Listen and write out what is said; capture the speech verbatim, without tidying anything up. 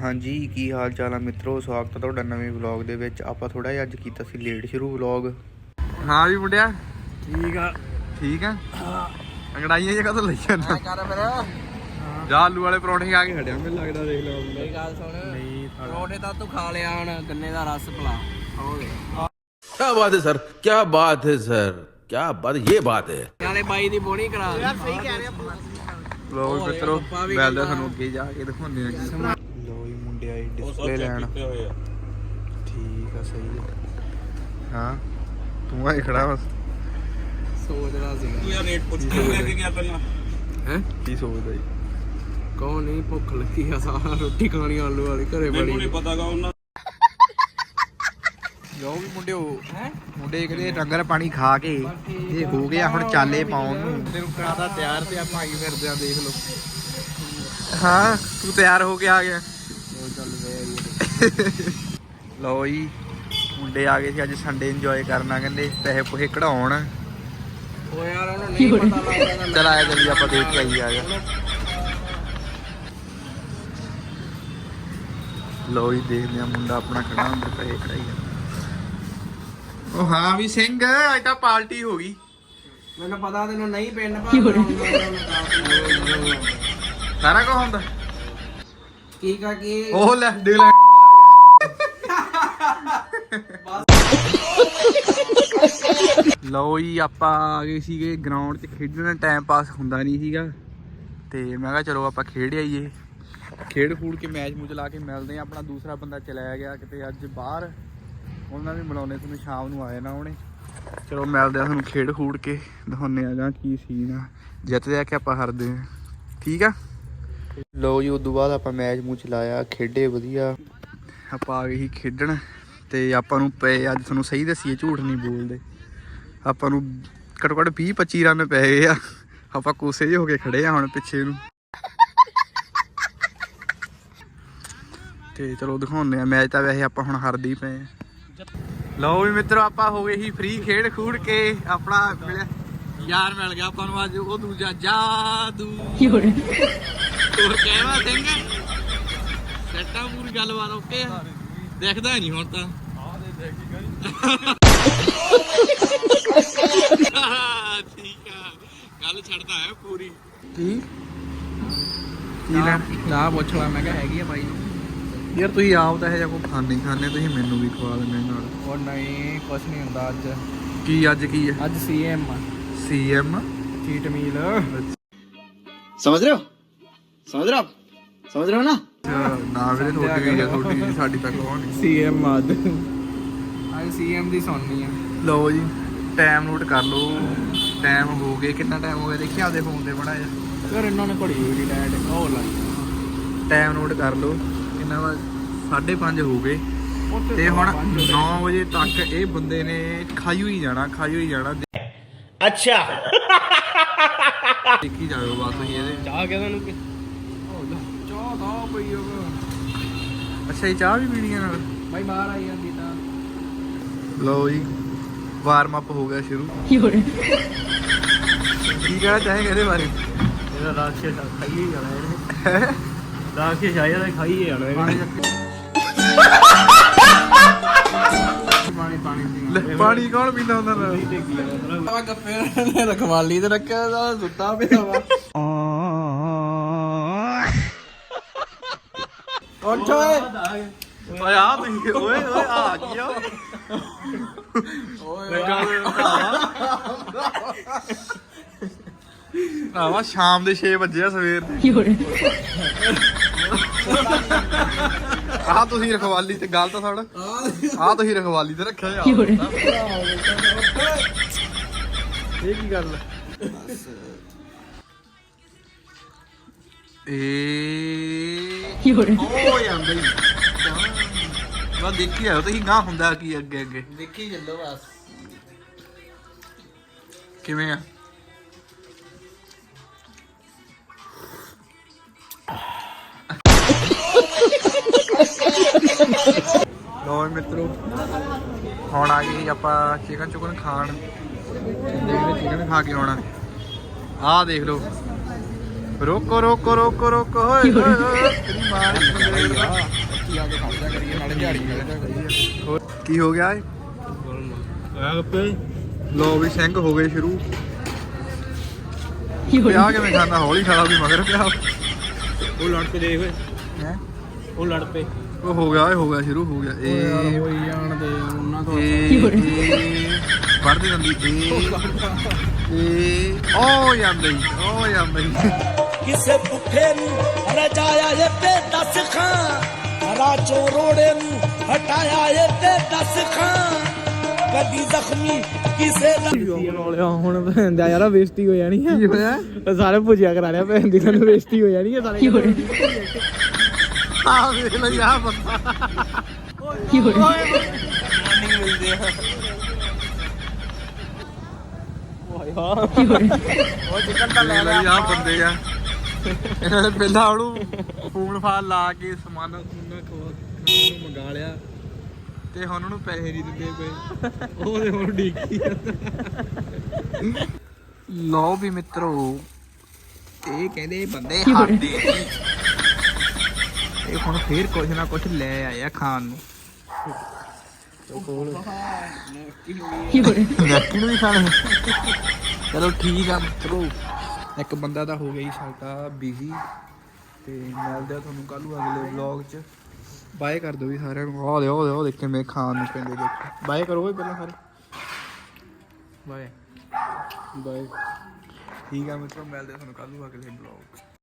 हाँ जी की हाल चाल है मित्रों, स्वागत है तुहाडा नवे व्लॉग दे विच। आपां थोड़ा जिहा अज कीता सी लेट शुरू व्लॉग। हाँ भी मुंडिया ठीक है ठीक है। अंगड़ाइयां जगह तो लई जाना कर फिर जा आलू वाले परौंठे खा के खड़िया मैनूं लगदा। देख लो मेरी गल सुन, परौंठे तां तू खा लिया, हुण गन्ने दा रस पिला। क्या बात है सर, क्या बात है सर, क्या बात, ये बात है। नाले बाई दी बोनी करा यार, सही कह रहे हो। लो मित्रों मिलदे सानूं अगे जाके दिखाउने आ। लो जी मुंडे आए डिस्पले लैण। ठीक है सही है। हाँ तू आए खड़ा बस सोचदा सीगा तू यार रेट पुੱਛ के लेके गया पहला हैं की सोचदा जी कौन नहीं भुख लगी आ, सारा रोटी खानी आलू वाली घरे बड़ी ਮੈਨੂੰ ਨਹੀਂ ਪਤਾਗਾ ਉਹਨਾਂ ਲਓ ਵੀ ਮੁੰਡਿਓ ਮੁੰਡੇ ਕਹਿੰਦੇ ਡੰਗਰ ਪਾਣੀ ਖਾ ਕੇ ਇਹ ਹੋ ਗਿਆ ਹੁਣ ਚਾਲੇ ਪਾਉਣ ਨੂੰ। ਤੈਨੂੰ ਕਰਾਦਾ ਤਿਆਰ ਤੇ ਆਪਾਂ ਆਈ ਫਿਰਦੇ ਆ, ਦੇਖ ਲਓ। ਹਾਂ ਤੂੰ ਤਿਆਰ ਹੋ ਕੇ ਆ ਗਿਆ। ਲਓ ਜੀ ਮੁੰਡੇ ਆ ਗਏ ਸੀ ਅੱਜ ਸੰਡੇ ਇੰਜੋਏ ਕਰਨਾ, ਕਹਿੰਦੇ ਪੈਸੇ ਪੂਸੇ ਕਢਾਉਣ। ਉਹ ਯਾਰ ਉਹਨੂੰ ਨਹੀਂ ਪਤਾ ਲੱਗਦਾ। ਚਲ ਆਇਆ ਜਲਦੀ ਆਪਾਂ ਦੇਖ ਕੇ ਆਈ ਆ ਗਿਆ। ਲਓ ਜੀ ਦੇਖਦੇ ਆ ਮੁੰਡਾ ਆਪਣਾ ਖੜਾ ਅੰਦਰ ਪੈਸੇ ਕਢਾਈ ਜਾਂਦਾ। ਉਹ ਹਾਂ ਵੀ ਸਿੰਘ ਅੱਜ ਤਾਂ ਪਾਰਟੀ ਹੋ ਗਈ। ਮੈਨੂੰ ਪਤਾ ਤੈਨੂੰ ਨਹੀਂ ਪਿੰਡ ਪਾ ਸਾਰਾ ਕੁਝ ਹੁੰਦਾ ਕੀ ਕਾ ਕੀ ਉਹ ਲੈ ਦੇ ਲੈ। ਲਓ ਜੀ ਆਪਾਂ ਆ ਗਏ ਸੀਗੇ ਗਰਾਊਂਡ 'ਚ ਖੇਡਣ, ਟਾਈਮ ਪਾਸ ਹੁੰਦਾ ਨਹੀਂ ਸੀਗਾ ਤੇ ਮੈਂ ਕਿਹਾ ਚਲੋ ਆਪਾਂ ਖੇਡ ਆਈਏ। ਖੇਡ ਖੂਡ ਕੇ ਮੈਚ ਮੂਚ ਲਾ ਕੇ ਮਿਲਦੇ ਆ। ਆਪਣਾ ਦੂਸਰਾ ਬੰਦਾ ਚਲਾਇਆ ਗਿਆ ਕਿਤੇ ਅੱਜ ਬਾਹਰ, ਉਹਨਾਂ ਵੀ ਮਿਲਾਉਂਦੇ ਤੁਹਾਨੂੰ, ਸ਼ਾਮ ਨੂੰ ਆਏ ਨਾ ਉਹਨੇ। ਚਲੋ ਮਿਲਦੇ ਆ ਤੁਹਾਨੂੰ ਖੇਡ ਖੂਡ ਕੇ ਦਿਖਾਉਂਦੇ ਆ ਜਾਂ ਕੀ ਸੀਨ ਆ, ਜਿੱਤਦੇ ਆ ਕਿ ਆਪਾਂ ਹਾਰਦੇ ਆ। ਠੀਕ ਆ। ਲਓ ਜੀ ਉਦੋਂ ਬਾਅਦ ਆਪਾਂ ਮੈਚ ਮੂਚ ਲਾਇਆ, ਖੇਡੇ ਵਧੀਆ। ਆਪਾਂ ਆ ਗਏ ਸੀ ਖੇਡਣ ਤੇ ਆਪਾਂ ਨੂੰ ਪਏ ਅੱਜ, ਤੁਹਾਨੂੰ ਸਹੀ ਦੱਸੀਏ ਝੂਠ ਨਹੀਂ ਬੋਲਦੇ, ਆਪਾਂ ਨੂੰ ਘੱਟੋ ਘੱਟ ਵੀਹ ਪੱਚੀ ਰਨ ਪੈ ਗਏ ਆ। ਆਪਾਂ ਕੋਸੇ ਜਿਹੇ ਹੋ ਕੇ ਖੜੇ ਆ ਹੁਣ ਪਿੱਛੇ ਨੂੰ। ਤੇ ਚਲੋ ਦਿਖਾਉਂਦੇ ਆ ਮੈਚ। ਤਾਂ ਵੈਸੇ ਆਪਾਂ ਹੁਣ ਹਾਰਦੇ ਹੀ ਪਏ ਆ। ਲਓ ਵੀ ਮਿੱਤਰੋ ਆਪਾਂ ਹੋ ਗਏ ਸੀ ਫ੍ਰੀ ਖੇਡ ਖੂਡ ਕੇ। ਆਪਣਾ ਮਿਲਿਆ ਯਾਰ ਮਿਲ ਗਿਆ ਆਪਾਂ ਨੂੰ ਅੱਜ, ਉਹ ਦੂਜਾ ਜਾਦੂ। ਹੋਰ ਕਹਿਵਾ ਸਿੰਘ ਸੈਟਾਂ ਪੂਰੀ ਗੱਲਬਾਤ ਓਕੇ ਆ। ਦੇਖਦਾ ਨਹੀਂ ਹੁਣ ਤਾਂ ਠੀਕ ਆ, ਗੱਲ ਛੱਡਦਾ ਹੈ ਪੂਰੀ। ਕੀ ਕੀ ਲੈਣ ਨਾ ਪੁੱਛ ਲਾ, ਮੈਂ ਕਿਹਾ ਹੈਗੀ ਆ ਬਾਈ। ਯਾਰ ਤੁਸੀਂ ਆਪ ਤਾਂ ਇਹ ਜਿਹਾ ਕੋਈ ਖਾਂਦੇ ਖਾਂਦੇ, ਤੁਸੀਂ ਮੈਨੂੰ ਵੀ ਖਵਾ ਦਿੰਦੇ ਨਾਲ। ਉਹ ਨਹੀਂ ਕੁਛ ਨਹੀਂ ਹੁੰਦਾ ਅੱਜ। ਕੀ ਅੱਜ ਕੀ ਹੈ? ਅੱਜ C M C M cheat meal. समझ रहे हो समझ रहे हो आप समझ रहे हो ना। ਨਾ ਵੀਰੇ ਤੁਹਾਡੀ ਵੀ ਹੈ, ਤੁਹਾਡੀ ਵੀ ਸਾਡੀ ਤੱਕ ਹੋਣੀ। ਸੀ ਐਮ ਅੱਜ ਅੱਜ ਸੀ ਐਮ ਦੀ ਸੁਣਨੀ ਆ। ਲਓ ਜੀ ਟਾਈਮ ਨੋਟ ਕਰ ਲਓ, ਟਾਈਮ ਹੋ ਗਏ। ਕਿੰਨਾ ਟਾਈਮ ਹੋ ਗਿਆ ਦੇਖਿਆ ਆਪਦੇ ਫੋਨ ਤੇ ਬੜਾ ਜਿਹਾ। ਫਿਰ ਇਹਨਾਂ ਨੇ ਘੜੀ ਹੋਈ ਡੈਡ ਉਹ ਲਾਈ। ਟਾਈਮ ਨੋਟ ਕਰ ਲਓ ਕਿੰਨਾ ਵਾ, ਸਾਢੇ ਪੰਜ ਹੋ ਗਏ ਤੇ ਹੁਣ ਨੌ ਵਜੇ ਤੱਕ ਇਹ ਬੰਦੇ ਨੇ ਖਾਈ ਹੋਈ ਜਾਣਾ, ਖਾਈ ਹੋਈ ਜਾਣਾ। अच्छा ਦੇਖੀ ਜਾਓ ਬਸ ਤੁਸੀਂ ਇਹਦੇ। ਚਾਹ ਕਹਿੰਦਾ ਨੂੰ ਕਿ ਚਾਹ ਤਾਂ ਪਈ ਹੋਵੇ। ਅੱਛਾ ਇਹ ਚਾਹ ਵੀ ਪੀਣੀ ਹੈ ਨਾਲ? ਬਾਈ ਬਾਹਰ ਆਈ ਜਾਂਦੀ ਤਾਂ। ਲਓ ਜੀ ਵਾਰਮ ਅਪ ਹੋ ਗਿਆ ਸ਼ੁਰੂ। ਕੀ ਕਹਿਣਾ ਚਾਹੇਗਾ ਇਹਦੇ ਬਾਰੇ? ਇਹਦਾ ਰਾਖਸ਼ ਖਾਈਏ ਜਾਣਾ ਇਹਨੇ। ਰਾਖਸ਼ ਆਇਆ ਤਾਂ ਖਾਈਏ ਜਾਣਾ ਇਹਨੇ। ਪਾਣੀ ਪਾਣੀ ਲੈ ਪਾਣੀ ਕੌਣ ਪੀਂਦਾ ਹੁੰਦਾ ਨਾ? ਆ ਗੱਫੇ ਨੇ ਰਖਵਾਲੀ ਤੇ ਰੱਖਿਆ ਦਾ ਸੁੱਤਾ ਪਿਆ ਵਾ। ਉੱਠ ਓਏ ਓਏ ਆ ਤੁਸੀਂ, ਓਏ ਓਏ ਆ ਕੀ ਆ ਓਏ ਆਵਾ ਸ਼ਾਮ ਦੇ ਛੇ ਵਜੇ ਆ ਸਵੇਰ ਦੇ। ਆਹ ਤੁਸੀਂ ਰਖਵਾਲੀ ਤੇ ਗੱਲ ਤਾਂ ਸੁਣ, ਆਹ ਤੁਸੀਂ ਰਖਵਾਲੀ ਤੇ ਰੱਖਿਆ ਯਾਰ। ਇਹ ਕੀ ਗੱਲ ਇਹ ਉਹ ਜਾਂਦਾ ਹੀ ਵਾ। ਦੇਖੀ ਆਓ ਤੁਸੀਂ ਗਾਂ ਹੁੰਦਾ ਕੀ ਅੱਗੇ ਅੱਗੇ ਦੇਖੀ ਚੱਲੋ ਬਸ। ਕਿਵੇਂ ਆ? ਲੋ ਮਿੱਤਰੋ ਹੁਣ ਆ ਗਏ ਆਪਾਂ ਚਿਕਨ ਚੁਕਨ ਖਾਣ। ਦੇਖਦੇ ਚਿਕਨ ਖਾ ਕੇ ਆਉਣਾ। ਆਹ ਦੇਖ ਲਓ ਰੋਕੋ ਰੋਕੋ ਰੋਕੋ ਰੋਕੋ ਹੋਏ ਹੋਏ ਹੋਏ ਤੇਰੀ ਮਾਂ ਦੀ ਬੰਦੇ ਆ ਕੀ ਆ ਕੇ ਖੜਦਾ ਕਰੀਏ ਨਾਲੇ ਦਿਹਾੜੀ ਕਰਦਾ ਕਰੀਏ ਹੋਰ ਕੀ ਹੋ ਗਿਆ ਏ ਆ ਪੇ ਲੋ ਵੀ ਸਿੰਘ ਹੋ ਗਏ ਸ਼ੁਰੂ ਪਿਆ ਕਿਵੇਂ ਖਾਂਦਾ ਹੌਲੀ ਖਾਲਾ ਵੀ ਮਗਰ ਪਿਆ ਉਹ ਲੜ ਪੇ ਦੇਖ ਓਏ ਹੈ ਉਹ ਲੜ ਪੇ ਉਹ ਹੋ ਗਿਆ ਇਹ ਹੋ ਗਿਆ ਸ਼ੁਰੂ ਹੋ ਗਿਆ ਇਹ ਹੋਈ ਜਾਣ ਦੇ ਉਹਨਾਂ ਤੋਂ ਵੜਦੇ ਜਾਂਦੀ ਇਹ ਇਹ ਉਹ ਜਾਂਦੇ ਉਹ ਜਾਂਦੇ ਕਿਸੇ ਪੁੱਠੇ ਨੂੰ ਰਜਾਇਆ ਏ ਤੇ ਦਸ ਖਾਂ ਰਾਜੋ ਰੋੜੇ ਨੂੰ ਹਟਾਇਆ ਏ ਤੇ ਦਸ ਖਾਂ ਕਦੀ ਜ਼ਖਮੀ ਕਿਸੇ ਦਾ ਲਿਆ ਹੁਣ ਭੈਣ ਦਾ ਯਾਰਾ ਬੇਇੱਜ਼ਤੀ ਹੋ ਜਾਣੀ ਆ ਕੀ ਹੋਇਆ ਸਾਰੇ ਭੁਜਿਆ ਕਰਾ ਲਿਆ ਭੈਣ ਦੀ ਸਾਨੂੰ ਬੇਇੱਜ਼ਤੀ ਹੋ ਜਾਣੀ ਆ ਸਾਰੇ ਆ ਵੇਖ ਲੈ ਯਾ ਬੰਦਾ ਕੀ ਹੋ ਰਿਹਾ ਉਹ ਚਿਕਨ ਤਾਂ ਲੈ ਲਿਆ ਯਾ ਬੰਦੇ ਆ ਇਹਨਾਂ ਨੇ ਪਹਿਲਾਂ ਉਹਨੂੰ ਫੋਨ ਫਾਨ ਲਾ ਕੇ ਸਮਾਨ ਸਮੂਨ ਖਵਾ ਖਾਣ ਨੂੰ ਮੰਗਾ ਲਿਆ ਤੇ ਹੁਣ ਉਹਨੂੰ ਪੈਸੇ ਨਹੀਂ ਦਿੰਦੇ ਪਏ ਉਹਦੇ ਹੁਣ ਡੀਕੀ ਲਓ ਵੀ ਮਿੱਤਰੋ ਇਹ ਕਹਿੰਦੇ ਬੰਦੇ ਹਾਡੇ ਇਹ ਹੁਣ ਫੇਰ ਕੁਝ ਨਾ ਕੁਝ ਲੈ ਆਇਆ ਖਾਣ ਨੂੰ ਨੈਕੀ ਨੂੰ ਵੀ ਖਾਣੇ ਚਲੋ ਠੀਕ ਆ ਮਿੱਤਰੋ ਇੱਕ ਬੰਦਾ ਤਾਂ ਹੋ ਗਿਆ ਜੀ ਸਾਡਾ ਬਿਜ਼ੀ ਤੇ ਮਿਲਦੇ ਆ ਤੁਹਾਨੂੰ ਕੱਲ ਨੂੰ ਅਗਲੇ ਵਲੌਗ 'ਚ ਬਾਏ ਕਰ ਦਿਓ ਵੀ ਸਾਰਿਆਂ ਨੂੰ ਆਹ ਦੇ ਆਹ ਦੇ ਆਹ ਦੇਖ ਕਿਵੇਂ ਖਾਣ ਨੂੰ ਪੈਂਦੇ ਦੇਖੋ ਬਾਏ ਕਰੋ ਓਏ ਪਹਿਲਾਂ ਸਾਰੇ ਬਾਏ ਬਾਏ ਠੀਕ ਆ ਮਿੱਤਰੋ ਮਿਲਦੇ ਆ ਤੁਹਾਨੂੰ ਕੱਲ ਨੂੰ ਅਗਲੇ ਵਲੌਗ 'ਚ